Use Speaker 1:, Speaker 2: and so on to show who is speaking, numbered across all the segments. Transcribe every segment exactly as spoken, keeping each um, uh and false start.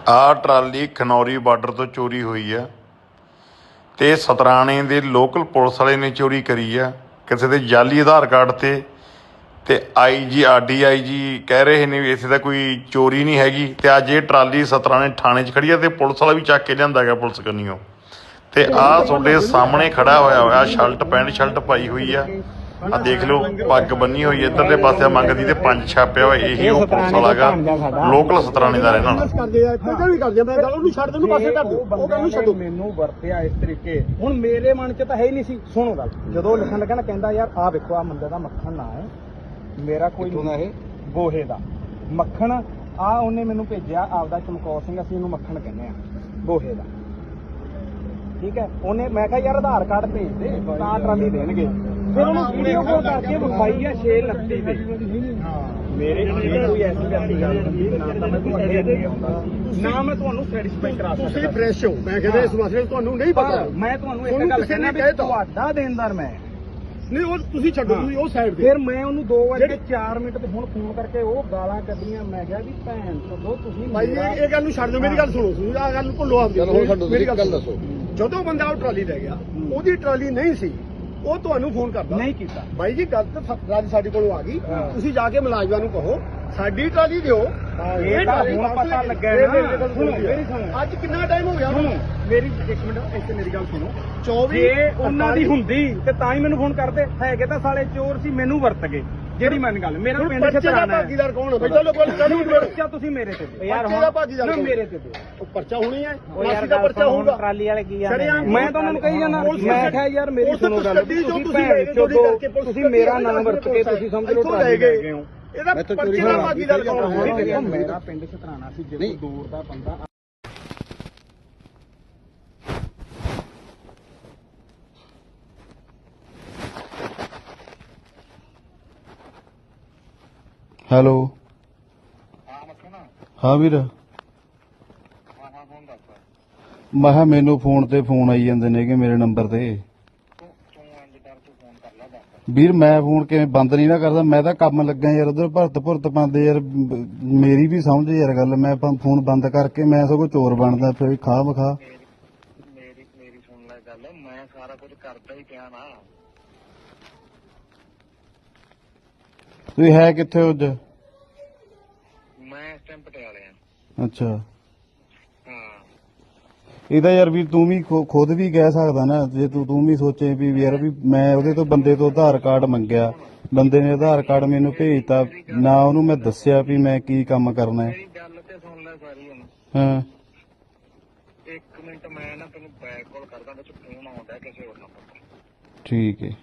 Speaker 1: ਆ trolley Khanauri border ਤੋਂ ਚੋਰੀ ਹੋਈ ਆ ਤੇ ਸਤਰਾਣੇ ਦੇ ਲੋਕਲ ਪੁਲਿਸ ਵਾਲੇ ਨੇ ਚੋਰੀ ਕਰੀ ਆ ਕਿਸੇ ਦੇ ਜਾਲੀ ਆਧਾਰ ਕਾਰਡ ਤੇ ਤੇ ਆਈ ਜੀ ਆਰ ਡੀ ਆਈ ਜੀ ਕਹਿ ਰਹੇ ਨੇ ਵੀ ਇਸੇ ਦਾ ਕੋਈ ਚੋਰੀ ਨਹੀਂ ਹੈਗੀ। ਤੇ ਅੱਜ ਇਹ ਟਰਾਲੀ ਸਤਰਾਣੇ ਥਾਣੇ 'ਚ ਖੜੀ ਆ ਤੇ ਪੁਲਿਸ ਵਾਲਾ ਵੀ ਚੱਕ ਕੇ ਲਿਆਂਦਾ ਗਿਆ ਪੁਲਿਸ ਕੰਨੀਓ। ਤੇ ਆਹ ਤੁਹਾਡੇ ਸਾਹਮਣੇ ਖੜਾ ਹੋਇਆ ਹੋਇਆ ਸ਼ਰਟ ਪੈਂਟ ਸ਼ਰਟ ਪਾਈ ਹੋਈ ਆ, ਆ ਦੇਖ ਲਓ ਪੱਗ ਬੰਨੀ ਹੋਈ ਇੱਧਰਲੇ ਪਾਸੇ ਮੰਗਦੀ ਤੇ ਪੰਜ ਛਾਪਿਆ ਹੋਇਆ, ਇਹੀ ਉਹ ਪੁਲਿਸ ਵਾਲਾ ਗਾ ਲੋਕਲ ਸਤਰਾਣੇ ਦਾ ਰਹਿਣ ਵਾਲਾ।
Speaker 2: ਮੈਨੂੰ ਵਰਤਿਆ ਇਸ ਤਰੀਕੇ, ਹੁਣ ਮੇਰੇ ਮਨ ਚ ਤਾਂ ਹੈ ਹੀ ਨਹੀਂ ਸੀ। ਸੁਣੋ ਗੱਲ, ਜਦੋਂ ਲਿਖਣ ਲੱਗਾ ਨਾ ਕਹਿੰਦਾ ਯਾਰ ਆਹ ਵੇਖੋ ਆ ਮੁੰਡੇ ਦਾ ਮੱਖਣ ਨਾ ਹੈ, ਮੇਰਾ ਕੋਈ ਇਹ ਗੋਹੇ ਦਾ ਮੱਖਣ ਆ ਉਹਨੇ ਮੈਨੂੰ ਭੇਜਿਆ ਆਪਦਾ ਚਮਕੌਰ ਸਿੰਘ, ਅਸੀਂ ਉਹਨੂੰ ਮੱਖਣ ਕਹਿੰਦੇ ਆ ਗੋਹੇ ਦਾ, ਠੀਕ ਹੈ। ਉਹਨੇ ਮੈਂ ਕਿਹਾ ਯਾਰ ਆਧਾਰ ਕਾਰਡ ਭੇਜ ਦੇ ਤਾਂ ਟਰਾਲੀ ਦੇਣਗੇ। ਫਿਰ ਉਹਨੂੰ ਵੀਡੀਓ ਕਾਲ ਕਰਕੇ ਵਿਖਾਈ ਆ ਛੇ ਉਨੱਤੀ ਤੇ। ਮੇਰੇ ਕੋਈ ਐਸੀ ਐਸੀ ਗੱਲ ਨਹੀਂ, ਨਾ ਤਾਂ ਮੈਂ ਤੁਹਾਨੂੰ ਅੱਗੇ ਅੱਗੇ ਆਉਂਦਾ ਨਾ ਮੈਂ ਤੁਹਾਨੂੰ ਸੈਟੀਸਫਾਈ ਕਰਾ ਸਕਦਾ।
Speaker 3: ਤੁਸੀਂ ਫਰੈਸ਼ ਹੋ, ਮੈਂ ਕਹਿੰਦਾ ਇਸ ਮਸਲੇ ਤੁਹਾਨੂੰ ਨਹੀਂ ਪਤਾ।
Speaker 2: ਮੈਂ ਤੁਹਾਨੂੰ ਇੱਕ ਗੱਲ ਕਹਿਣਾ ਵੀ ਤੁਹਾਡਾ ਦੇਣਦਾਰ ਮੈਂ
Speaker 3: ਨਹੀਂ, ਉਹ ਤੁਸੀਂ ਛੱਡੋ, ਤੁਸੀਂ ਉਹ ਸਾਈਡ ਤੇ।
Speaker 2: ਫਿਰ ਮੈਂ ਉਹਨੂੰ ਦੋ ਵਜੇ ਚਾਰ ਮਿੰਟ ਤੇ ਹੁਣ ਫੋਨ ਕਰਕੇ ਉਹ ਗਾਲਾਂ ਕੱਢੀਆਂ। ਮੈਂ ਕਿਹਾ ਵੀ ਭੈਣ ਛੱਡੋ ਤੁਸੀਂ
Speaker 3: ਭਾਈ ਇਹ ਗੱਲ ਨੂੰ ਛੱਡ ਦਿਓ, ਮੇਰੀ ਗੱਲ ਸੁਣੋ, ਤੁਸੀਂ ਆਹ ਗੱਲ ਨੂੰ ਭੁੱਲੋ ਆਪਦੀ। ਮੇਰੀ ਗੱਲ ਦੱਸੋ, ਜਦੋਂ ਬੰਦਾ ਉਹ ਟਰਾਲੀ ਲੈ ਗਿਆ ਉਹਦੀ ਟਰਾਲੀ ਨਹੀਂ ਸੀ, ਉਹ ਤੁਹਾਨੂੰ ਫੋਨ ਕਰਦਾ
Speaker 2: ਨਹੀਂ ਕੀਤਾ।
Speaker 3: ਬਾਈ ਜੀ ਗੱਲ ਤਾਂ ਟਰਾਲੀ ਸਾਡੇ ਕੋਲੋਂ ਆ ਗਈ, ਤੁਸੀਂ ਜਾ ਕੇ ਮੁਲਾਜ਼ਮਾਂ ਨੂੰ ਕਹੋ ਸਾਡੀ ਟਰਾਲੀ ਦਿਓ।
Speaker 2: ਇਹ ਤਾਂ ਹੁਣ ਪਤਾ ਲੱਗਿਆ ਨਾ।
Speaker 3: ਅੱਜ ਕਿੰਨਾ ਟਾਈਮ ਹੋ ਗਿਆ?
Speaker 2: ਮੇਰੀ ਇੱਕ ਮਿੰਟ ਇੱਥੇ ਮੇਰੀ ਗੱਲ ਸੁਣੋ।
Speaker 3: ਚੌਵੀ
Speaker 2: ਜੇ ਉਹਨਾਂ ਦੀ ਹੁੰਦੀ ਤੇ ਤਾਂ ਹੀ ਮੈਨੂੰ ਫੋਨ ਕਰਦੇ, ਹੈਗੇ ਤਾਂ ਸਾਲੇ ਚੋਰ ਸੀ, ਮੈਨੂੰ ਵਰਤ ਗਏ। ਜਿਹੜੀ ਮਨ ਗੱਲ ਮੇਰਾ ਪਿੰਡ ਛਤਰਾਣਾ
Speaker 3: ਭਾਗੀਦਾਰ ਕੌਣ ਹੈ? ਚਲੋ
Speaker 2: ਪਰਚਾ ਤੁਸੀਂ ਮੇਰੇ ਤੇ ਦਿਓ
Speaker 3: ਯਾਰ, ਹੁਣ ਭਾਗੀਦਾਰ
Speaker 2: ਨਾ ਮੇਰੇ ਤੇ ਦਿਓ।
Speaker 3: ਉਹ ਪਰਚਾ ਹੋਣੀ ਹੈ, ਮਾਸੀ ਦਾ ਪਰਚਾ ਹੋਊਗਾ।
Speaker 2: ਟਰਾਲੀ ਵਾਲੇ ਕੀ ਆ, ਮੈਂ ਤਾਂ ਉਹਨਾਂ ਨੂੰ ਕਹੀ ਜਾਣਾ। ਮੈਂ ਕਿਹਾ ਯਾਰ ਮੇਰੀ ਸੁਣੋ ਗੱਲ, ਤੁਸੀਂ ਭੈਣ ਚੋਦੋ ਤੁਸੀਂ ਮੇਰਾ ਨਾਮ ਵਰਤ ਕੇ ਤੁਸੀਂ ਸਮਝ ਲਓ ਟਰਾਲੀ ਲੈ ਗਏ ਹੋ।
Speaker 3: ਇਹਦਾ ਪਰਚੇ ਦਾ ਭਾਗੀਦਾਰ ਕੌਣ ਹੈ?
Speaker 2: ਮੇਰਾ ਪਿੰਡ ਛਤਰਾਣਾ ਸੀ, ਜਦੋਂ ਦੂਰ ਦਾ ਬੰਦਾ।
Speaker 4: ਹੈਲੋ ਹਾਂ ਵੀਰ, ਮੈਂ ਕਿਹਾ ਮੈਨੂੰ ਫੋਨ ਤੇ ਫੋਨ ਆਈ ਜਾਂਦੇ ਨੇ ਕਿ ਮੇਰੇ ਨੰਬਰ ਤੇ। ਵੀਰ ਮੈਂ ਫੋਨ ਕਿਵੇਂ ਬੰਦ ਨਹੀਂ ਨਾ ਕਰਦਾ, ਮੈਂ ਤਾਂ ਕੰਮ ਲੱਗਾ ਯਾਰ, ਉਧਰ ਭਰਤ ਭੁਰਤ ਪਾਉਂਦੇ ਯਾਰ, ਮੇਰੀ ਵੀ ਸਮਝ ਯਾਰ ਗੱਲ। ਮੈਂ ਫੋਨ ਬੰਦ ਕਰਕੇ ਮੈਂ ਸਗੋਂ ਚੋਰ ਬਣਦਾ ਫਿਰ ਖਾ ਮਖਾ।
Speaker 5: ਮੇਰੀ ਮੇਰੀ ਸੁਣ ਲੈ ਗੱਲ, ਮੈਂ ਸਾਰਾ ਕੁਝ ਕਰਦਾ ਹੀ ਪਿਆ ਨਾ।
Speaker 4: ਤੁਸੀਂ ਹੈ ਕਿੱਥੇ ਹੋ ਅੱਜ?
Speaker 5: ਮੈਂ ਇਸ ਟਾਈਮ ਪਟਿਆਲੇ ਆ।
Speaker 4: ਅੱਛਾ,
Speaker 5: ਹਾਂ
Speaker 4: ਇਹਦਾ ਯਾਰ ਵੀ ਤੂੰ ਵੀ ਖੁਦ ਵੀ ਕਹਿ ਸਕਦਾ ਨਾ, ਜੇ ਤੂੰ ਤੂੰ ਵੀ ਸੋਚੇ ਵੀ ਯਾਰ ਵੀ ਮੈਂ ਉਹਦੇ ਤੋਂ ਬੰਦੇ ਤੋਂ ਆਧਾਰ ਕਾਰਡ ਮੰਗਿਆ, ਬੰਦੇ ਨੇ ਆਧਾਰ ਕਾਰਡ ਮੈਨੂੰ ਭੇਜਤਾ ਨਾ, ਉਹਨੂੰ ਮੈਂ ਦੱਸਿਆ ਵੀ ਮੈਂ ਕੀ ਕੰਮ ਕਰਨਾ ਹੈ।
Speaker 5: ਮੇਰੀ ਗੱਲ ਤੇ ਸੁਣ ਲੈ ਸਾਰੀ ਹੁਣ।
Speaker 4: ਹਾਂ
Speaker 5: ਇੱਕ ਮਿੰਟ ਮੈਂ ਨਾ ਤੈਨੂੰ ਬੈਕ ਕਾਲ ਕਰਦਾ, ਵਿੱਚ ਫੋਨ ਆਉਂਦਾ ਕਿਸੇ ਹੋਰ ਨੰਬਰ ਤੋਂ।
Speaker 4: ਠੀਕ ਹੈ।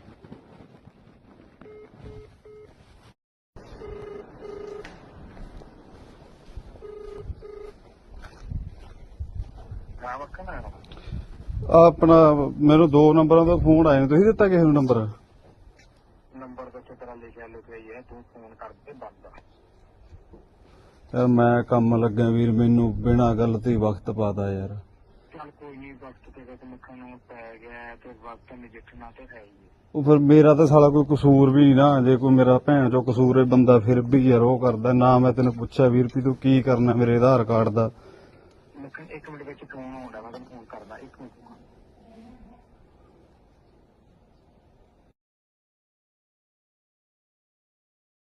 Speaker 5: ਹਾਂ ਮੱਖਣ ਆ
Speaker 4: ਆਪਣਾ ਮੈਨੂੰ ਦੋ ਨੰਬਰਾਂ ਤੋਂ ਫੋਨ ਆਏ ਨੇ, ਤੁਸੀਂ ਦਿੱਤਾ ਕਿਸੇ ਨੂੰ ਨੰਬਰ?
Speaker 5: ਨੰਬਰ ਤੇ ਤੇਰਾ ਲਿਖਿਆ ਲਿਖਿਆ ਹੈ, ਤੂੰ ਫੋਨ ਕਰਦੇ ਬੰਦ।
Speaker 4: ਯਾਰ ਮੈਂ ਕੰਮ ਲੱਗਾ ਵੀਰ, ਮੈਨੂੰ ਬਿਨਾਂ ਗੱਲ ਤੇ ਵਕਤ ਪਾਤਾ ਯਾਰ।
Speaker 5: ਚੱਲ ਕੋਈ ਨਹੀਂ, ਵਕਤ ਤੇ ਤੇ ਮੱਖਣ ਨੂੰ ਪੈ ਗਿਆ ਤੇ ਵਕਤ ਨਜਿੱਠਣਾ ਤੇ ਹੈ ਹੀ।
Speaker 4: ਉਹ ਫਿਰ ਮੇਰਾ ਤਾਂ ਸਾਲਾ ਕੋਈ ਕਸੂਰ ਵੀ ਨਹੀਂ ਨਾ, ਜੇ ਕੋਈ ਮੇਰਾ ਭੈਣ ਚੋਂ ਕਸੂਰ ਹੈ ਬੰਦਾ ਫਿਰ ਵੀ ਯਾਰ ਉਹ ਕਰਦਾ ਨਾ। ਮੈਂ ਤੈਨੂੰ ਪੁੱਛਿਆ ਵੀਰ ਵੀ ਤੂੰ ਕੀ ਕਰਨਾ ਮੇਰੇ ਆਧਾਰ ਕਾਰਡ ਦਾ?
Speaker 5: ਮੱਖਣ ਇੱਕ ਮਿੰਟ ਵਿੱਚ ਫੋਨ ਆਉਂਦਾ, ਮੈਂ ਤੈਨੂੰ ਫੋਨ ਕਰਦਾ, ਇੱਕ ਮਿੰਟ।